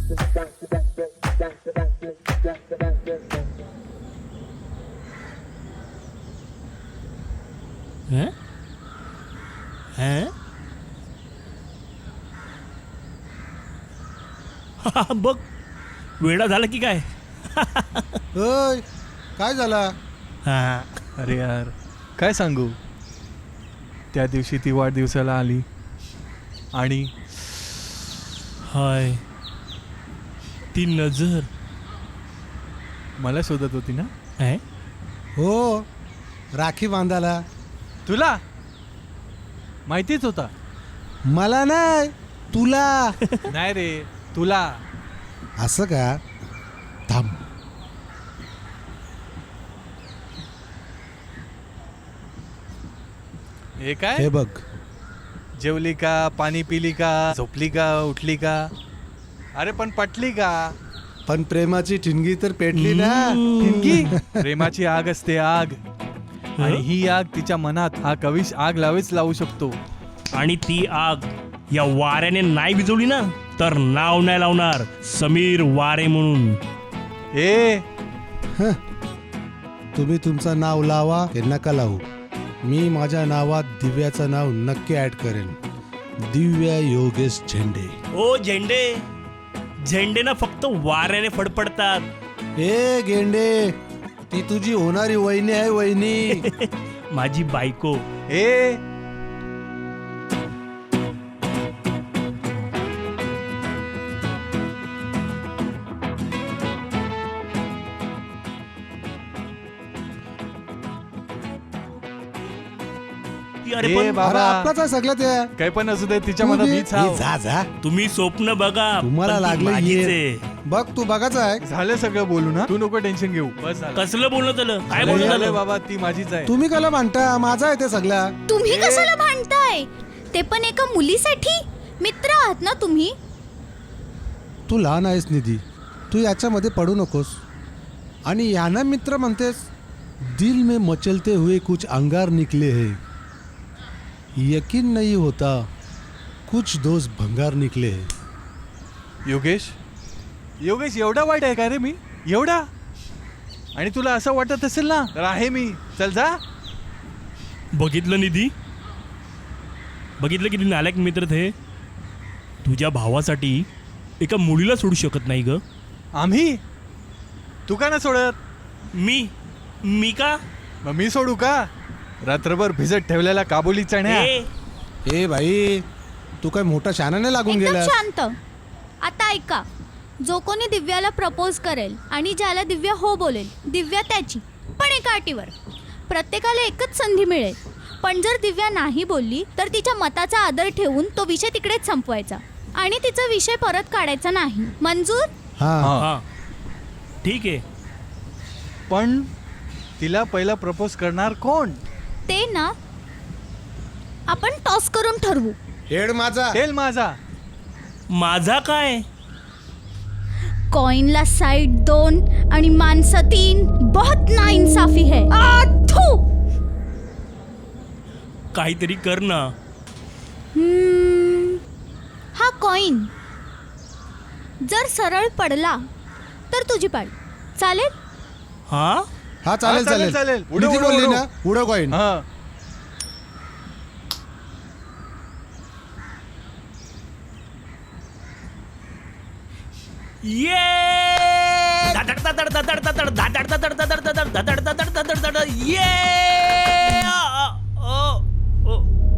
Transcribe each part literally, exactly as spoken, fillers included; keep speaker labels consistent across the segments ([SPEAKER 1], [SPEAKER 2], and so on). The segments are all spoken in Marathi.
[SPEAKER 1] हैं? हैं? हा, बघ वेडा झाला की काय?
[SPEAKER 2] ओय काय झाला?
[SPEAKER 1] हा
[SPEAKER 3] अरे यार काय सांगू, त्या दिवशी ती वाढदिवसाला आली आणि
[SPEAKER 1] हाय ती नजर
[SPEAKER 3] मला शोधत होती ना.
[SPEAKER 1] है?
[SPEAKER 2] हो राखी बांधायला.
[SPEAKER 3] तुला माहितीच होता?
[SPEAKER 2] मला नाही तुला.
[SPEAKER 3] नाही रे तुला.
[SPEAKER 2] असं का? थांब.
[SPEAKER 3] हे काय?
[SPEAKER 2] हे बघ.
[SPEAKER 3] जेवली का, पाणी पिली का, झोपली का, उठली का, अरे पण पटली का?
[SPEAKER 2] पण प्रेमाची ठिणगी तर पेटली ना.
[SPEAKER 3] ठिणगी? प्रेमाची आग असते आग, आणि ही आग तिच्या मनात हा कवीश आग लावेच लावू शकतो.
[SPEAKER 1] आणि ती आग या वाऱ्याने नाही विजवली ना तर नाव नाही लावणार समीर वारे म्हणून.
[SPEAKER 3] ए
[SPEAKER 2] तुम्ही तुमचं नाव लावा हे नका लावू. मी माझ्या नावात दिव्याचं नाव नक्की ऍड करेन. दिव्या योगेश झेंडे.
[SPEAKER 1] ओ झेंडे, झेंडे ना फक्त वाऱ्याने फडफडतात.
[SPEAKER 2] ए गेंडे, ती तुझी होणारी वहिनी आहे. वहिनी
[SPEAKER 1] माझी बायको.
[SPEAKER 3] ए
[SPEAKER 1] अरे
[SPEAKER 3] ए
[SPEAKER 1] पण
[SPEAKER 3] बाबा,
[SPEAKER 2] अरे आपलाच आहे सगळं ते.
[SPEAKER 3] काही पण असू दे तिच्या मनात मीच
[SPEAKER 2] ए,
[SPEAKER 3] हाव.
[SPEAKER 2] जा जा.
[SPEAKER 1] तुम्ही स्वप्न बघा,
[SPEAKER 2] तुम्हाला
[SPEAKER 1] पण ती
[SPEAKER 2] लागलं
[SPEAKER 1] माझीच
[SPEAKER 2] ये.
[SPEAKER 1] आहे.
[SPEAKER 2] बघ तू बघाच आहे.
[SPEAKER 3] झालं सगळं बोलू ना, तू नको टेन्शन घेऊ. बस झालं.
[SPEAKER 1] कसलं बोलणं झालं? काय
[SPEAKER 2] अरे,
[SPEAKER 1] बोलणं
[SPEAKER 3] झालं
[SPEAKER 1] झालं?
[SPEAKER 3] बाबा, ती माझीच आहे.
[SPEAKER 2] तुम्ही कला म्हणता माझा आहे ते सगळा.
[SPEAKER 4] तुम्ही कशाला भांडताय? ते पण एका मुलीसाठी. मित्र आहात ना तुम्ही.
[SPEAKER 2] तू लहान आहेस निधी, तू याच्यामध्ये पडू नकोस. आणि याना मित्र म्हणतेस. दिल में मचलते हुए कुछ अंगार निकले हैं, यकीन नहीं होता कुछ दोस्त भंगार निकले हैं.
[SPEAKER 3] योगेश, योगेश एवढा वाईट आहे का रे मी? एवढा? आणि तुला असं वाटत असेल ना तर आहे मी. चल जा.
[SPEAKER 1] बघितलं निधी, बघितलं किती नालायक मित्र थे. तुझ्या भावासाठी एका मुलीला सोडू शकत नाही ग.
[SPEAKER 3] आम्ही? तू का ना सोडत?
[SPEAKER 1] मी मी का?
[SPEAKER 3] मग मी सोडू का? रात्रभर भिजत ठेवलेला काबुली चण्या.
[SPEAKER 1] ए,
[SPEAKER 2] ए भाई, तू काय मोठा शानाने लागून
[SPEAKER 4] एकदम
[SPEAKER 2] गेला.
[SPEAKER 4] शांत. आता ऐका, जो कोणी दिव्याला प्रपोज करेल आणि ज्याला दिव्या हो बोलेल, दिव्या त्याची, पण एका अटीवर. प्रत्येकाला एकच संधी मिळेल. पण जर दिव्या नाही बोलली तर तिच्या मताचा आदर ठेवून तो विषय तिकडेच संपवायचा आणि तिचा विषय परत काढायचा नाही. मंजूर?
[SPEAKER 2] हा
[SPEAKER 1] हा ठीक आहे.
[SPEAKER 3] पण तिला पहिला प्रपोज करणार कोण?
[SPEAKER 4] ते ना आपण टॉस करून ठरवू.
[SPEAKER 2] हेड माझा.
[SPEAKER 3] तेल माझा.
[SPEAKER 1] माझा काय?
[SPEAKER 4] कॉइनला साइड दोन आणि माणसं तीन. बहुत नाइंसाफी है. आ, थू.
[SPEAKER 1] काहीतरी कर ना.
[SPEAKER 4] हम्म, हा कॉइन जर सरळ पडला तर तुझी पाळी. चालेल?
[SPEAKER 1] हा
[SPEAKER 2] हा चालेल
[SPEAKER 3] हा, चालेल,
[SPEAKER 2] चालेल
[SPEAKER 3] चालेल. उडव,
[SPEAKER 2] निधी
[SPEAKER 3] उडव,
[SPEAKER 2] बोलली
[SPEAKER 3] उडव.
[SPEAKER 2] ना उडव कॉइन.
[SPEAKER 3] हा.
[SPEAKER 1] ये धाडधाड धाडधाड धाडधाड धाडधाड धाडधाड धाडधाड धाडधाड धाडधाड धाडधाड धाडधाड धाडधाड. ये आ, आ, ओ, ओ.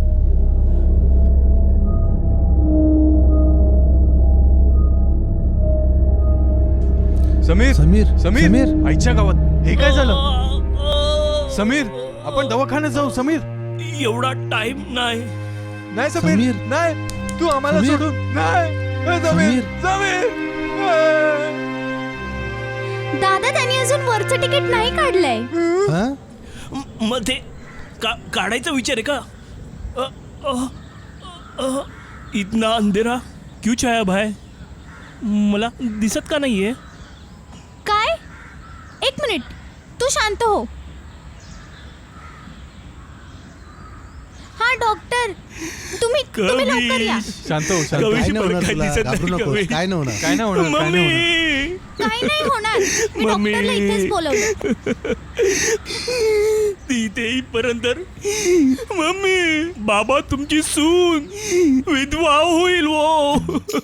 [SPEAKER 3] समीर
[SPEAKER 2] समीर
[SPEAKER 3] समीर
[SPEAKER 2] समीर
[SPEAKER 3] आईच्या गावात हे काय झालं?
[SPEAKER 1] आ, आ.
[SPEAKER 3] समीर आपण दवाखान्यात जाऊ. समीर
[SPEAKER 1] एवढा टाइम नाही.
[SPEAKER 3] नाही समीर,
[SPEAKER 2] समीर.
[SPEAKER 3] नाही तू आम्हाला
[SPEAKER 2] समीर.
[SPEAKER 3] सोडून नाही. ए, समीर समीर ए.
[SPEAKER 4] दादा, त्यांनी अजून वरचं तिकीट नाही काढलंय.
[SPEAKER 2] हा?
[SPEAKER 1] म- मग ते का काढायचा विचार आहे का? अ, अ, अ, इतना अंधेरा क्यों छाया भाई? मला दिसत का नाहीये?
[SPEAKER 4] काय? एक मिनिट, तू शांत हो. हा डॉक्टर तुम्ही तुम्ही लवकर या.
[SPEAKER 1] कविश
[SPEAKER 3] शांत हो शांत हो.
[SPEAKER 1] कविश
[SPEAKER 2] काय नाही
[SPEAKER 1] मला
[SPEAKER 2] होणार
[SPEAKER 1] काही
[SPEAKER 2] तुला,
[SPEAKER 1] दिसत
[SPEAKER 2] घाबरू
[SPEAKER 1] नाही,
[SPEAKER 2] नकोस,
[SPEAKER 1] कविश.
[SPEAKER 2] काय नाही होणार.
[SPEAKER 3] काय नाही होणार काय नाही होणार
[SPEAKER 1] मम्मी
[SPEAKER 4] काही नाही होणार. मी
[SPEAKER 1] मम्मी.
[SPEAKER 4] डॉक्टरला इथेच बोलवलं.
[SPEAKER 1] ती ते इथपर्यंत मम्मी बाबा तुमची सून विधवा होईल वो.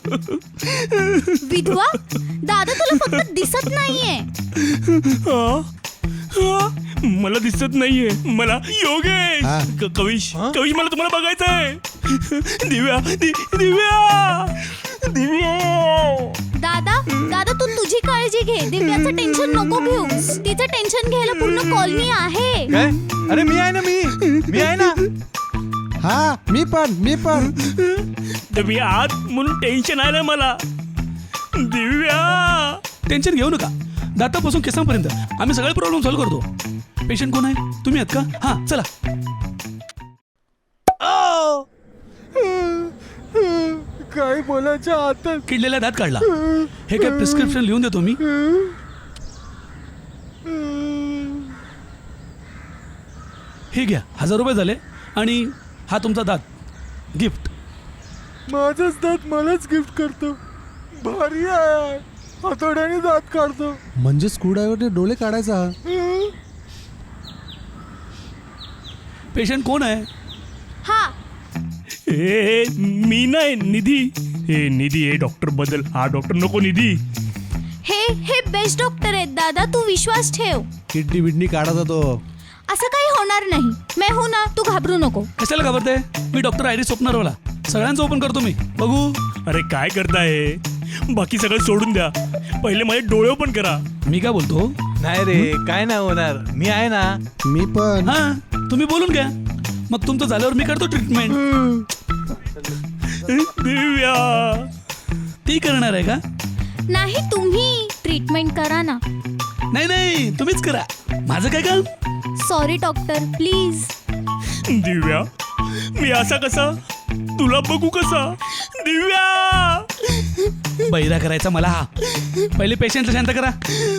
[SPEAKER 4] विधवा दादा तुला फक्त दिसत नाहीये.
[SPEAKER 1] हा? हा? मला दिसत नाहीये. मला योगेश
[SPEAKER 2] हा?
[SPEAKER 1] क- कविश
[SPEAKER 3] हा?
[SPEAKER 1] कविश मला तुम्हाला बघायचंय. दिव्या दि- दिव्या दिव्या
[SPEAKER 4] दादा दादा तू तुझी काळजी घे. दिव्याचं टेन्शन नको घेऊ. तिचं टेन्शन घ्यायला पूर्ण कॉलनी आहे.
[SPEAKER 3] काय अरे मी आहे ना मी मी आहे ना
[SPEAKER 2] हा मी पण मी पण
[SPEAKER 1] तर मी आत म्हणून टेन्शन आलं मला. दिव्या
[SPEAKER 5] टेन्शन घेऊ नका. दातापासून केसांपर्यंत आम्ही सगळे प्रॉब्लेम सॉल्व्ह करतो. पेशंट कोण आहे? तुम्ही आहात का? हां चला.
[SPEAKER 3] काय बोलायचं आता
[SPEAKER 5] किडलेला दात काढला. हे काय प्रिस्क्रिप्शन लिहून देतो मी. हे घ्या हजार रुपये झाले आणि हा तुमचा दात गिफ्ट.
[SPEAKER 3] माझाच दात मलाच गिफ्ट करतो. भारी आहे. हातोड्याने दात काढतो.
[SPEAKER 2] म्हणजे स्क्रूड्रायव्हरने डोळे काढायचा हा.
[SPEAKER 5] पेशंट कोण आहे?
[SPEAKER 4] हा
[SPEAKER 1] ए मी नाही निधी. हे निधी हे डॉक्टर बदल. हा डॉक्टर नको निधी.
[SPEAKER 4] हे हे बेस्ट डॉक्टर आहेत दादा. तू विश्वास ठेव.
[SPEAKER 2] किडनी बिडनी काढायचा तो.
[SPEAKER 4] असं काही होणार नाही. मैं हूं ना. तू घाबरू नको.
[SPEAKER 5] कशाला घाबरते? मी डॉक्टर आयरिस स्वप्नारवाला. सगळ्यांचं ओपन करतो मी. बघू.
[SPEAKER 1] अरे काय करताय? बाकी सगळं सोडून द्या. पहिले माझे डोळे ओपन करा.
[SPEAKER 5] मी काय बोलतो?
[SPEAKER 3] नाही रे काय नाही होणार. मी आहे ना.
[SPEAKER 2] मी पण
[SPEAKER 5] हां तुम्ही बोलून घ्या. मग तुमचं झाल्यावर मी करतो ट्रीटमेंट.
[SPEAKER 1] दिव्या
[SPEAKER 5] ती करणार आहे का?
[SPEAKER 4] नाही तुम्ही ट्रीटमेंट करा ना.
[SPEAKER 5] नाही नाही तुम्हीच करा. माझं काय काम?
[SPEAKER 4] Sorry doctor please.
[SPEAKER 1] दिव्या मी असा कसा तुला बघू कसा? दिव्या
[SPEAKER 5] बैरा करायचा मला हा. पहिले पेशंटला शांत करा.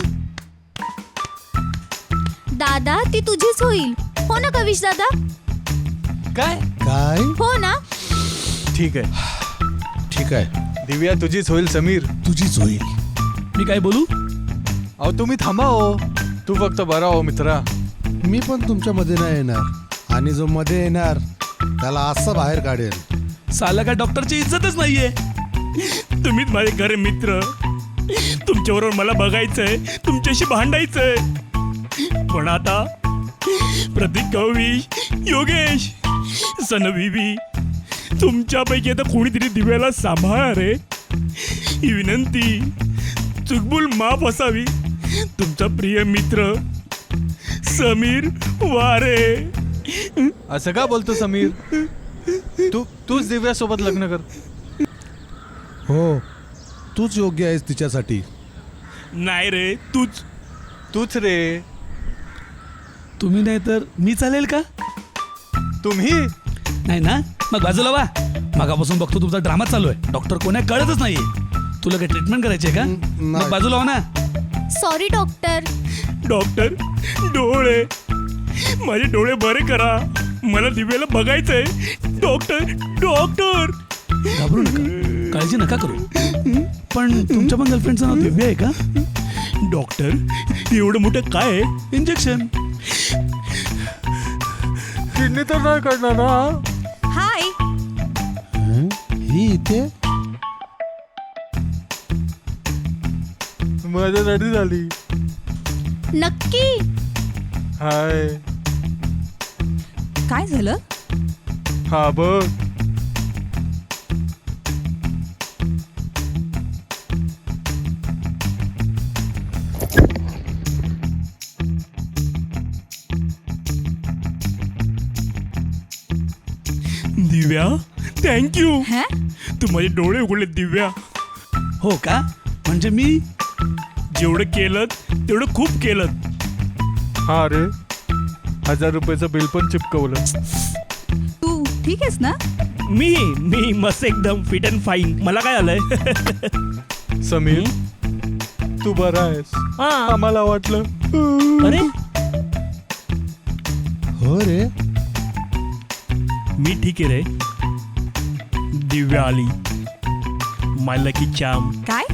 [SPEAKER 4] दादा ती तुझीच होईल. हो ना कविश दादा?
[SPEAKER 3] काय
[SPEAKER 2] काय
[SPEAKER 4] हो ना?
[SPEAKER 3] ठीक आहे.
[SPEAKER 2] ठीक आहे
[SPEAKER 3] दिव्या तुझीच होईल समीर.
[SPEAKER 2] तुझीच होईल.
[SPEAKER 5] मी काय बोलू?
[SPEAKER 3] अहो तुम्ही थांबा हो. तू फक्त बरा हो मित्रा.
[SPEAKER 2] मी पण तुमच्या मध्ये नाही येणार आणि जो मध्ये येणार त्याला असं बाहेर काढेल.
[SPEAKER 5] साला काय डॉक्टरची इज्जतच नाहीये.
[SPEAKER 1] तुम्हीच माझे खरे मित्र. तुमच्याबरोबर मला बघायचंय. तुमच्याशी भांडायचंय. पण आता प्रतीक कविश योगेश सनबीबी तुमच्यापैकी आता कोणीतरी दिव्याला सांभाळा रे. ही विनंती चुकबुल माफ असावी. तुमचा प्रिय मित्र समीर वारे.
[SPEAKER 3] असं का बोलतो समीर? तू तूच दिव्या सोबत लग्न कर.
[SPEAKER 2] हो तूच योग्य आहेस तिच्यासाठी.
[SPEAKER 1] नाही रे तूच.
[SPEAKER 3] तूच रे.
[SPEAKER 5] तुम्ही नाही तर मी चालेल का?
[SPEAKER 3] तुम्ही
[SPEAKER 5] नाही ना? मग बाजूला वा. मगापासून बघतो तुमचा ड्रामा चालू आहे. डॉक्टर कोण आहे कळतच नाहीये. तुला काय ट्रीटमेंट करायची आहे का?
[SPEAKER 2] नाही.
[SPEAKER 5] मग बाजूला वा ना.
[SPEAKER 4] Sorry doctor.
[SPEAKER 1] डॉक्टर डोळे माझे डोळे बरे करा. मला दिव्याला बघायचंय. डॉक्टर डॉक्टर
[SPEAKER 5] घाबरू नका. काळजी नका करू. पण तुमच्या पण गर्लफ्रेंडचं नाव दिव्या आहे का?
[SPEAKER 1] डॉक्टर एवढं मोठं काय आहे?
[SPEAKER 5] इंजेक्शन.
[SPEAKER 3] किडनी तर नाही काढणार ना?
[SPEAKER 4] हाय.
[SPEAKER 2] हं? ही इथे
[SPEAKER 3] माझ्यासाठी झाली.
[SPEAKER 4] नक्की.
[SPEAKER 3] हाय.
[SPEAKER 6] काय झालं?
[SPEAKER 3] हा बघ.
[SPEAKER 1] दिव्या थँक्यू.
[SPEAKER 6] हं?
[SPEAKER 1] तू माझे डोळे उघडले दिव्या.
[SPEAKER 5] हो का? म्हणजे मी
[SPEAKER 1] जेवढं केलं तेवढं खूप केलं.
[SPEAKER 3] हा रे. हजार रुपयाचं बिल पण चिपकवलं.
[SPEAKER 6] तू ठीक आहेस ना?
[SPEAKER 1] मी मी मस्त एकदम फिट अँड फाईन. मला काय आलंय?
[SPEAKER 3] समीर तू बरा आहेस.
[SPEAKER 1] हा.
[SPEAKER 3] आम्हाला वाटलं.
[SPEAKER 1] अरे
[SPEAKER 2] हो रे
[SPEAKER 1] मी ठीक आहे रे. दिव्या आली, माय लकी चाम.
[SPEAKER 6] काय?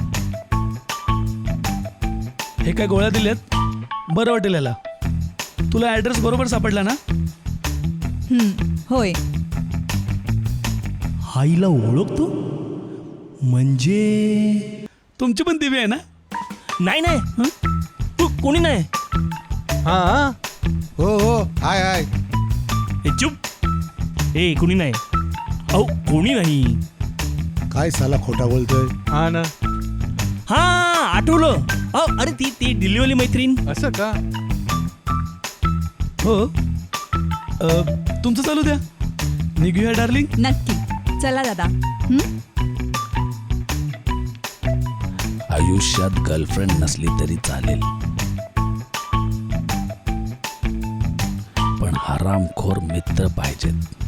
[SPEAKER 5] हे काय गोळ्या दिल्यात, बरं वाटेल याला. तुला ॲड्रेस बरोबर सापडला ना?
[SPEAKER 6] हम्म, होय.
[SPEAKER 1] हाईला ओळखतो म्हणजे?
[SPEAKER 5] तुमची पण दिव्या आहे ना?
[SPEAKER 1] नाही नाही हं? तू कोणी नाही.
[SPEAKER 3] हा
[SPEAKER 2] हो हो हाय हाय.
[SPEAKER 1] हे चुप. ए कोणी नाही. अहो कोणी नाही.
[SPEAKER 2] काय साला खोटा बोलतोय.
[SPEAKER 3] हा ना.
[SPEAKER 1] हा आठवलं. अहो अरे ती ती दिल्लीवाली मैत्रीण.
[SPEAKER 3] असं का?
[SPEAKER 5] हो. अ, तुमचं चालू द्या, निघूया डार्लिंग.
[SPEAKER 6] नक्की. चला दादा. हम्म?
[SPEAKER 5] आयुष्यात गर्लफ्रेंड नसली तरी चालेल, पण हरामखोर मित्र पाहिजेत.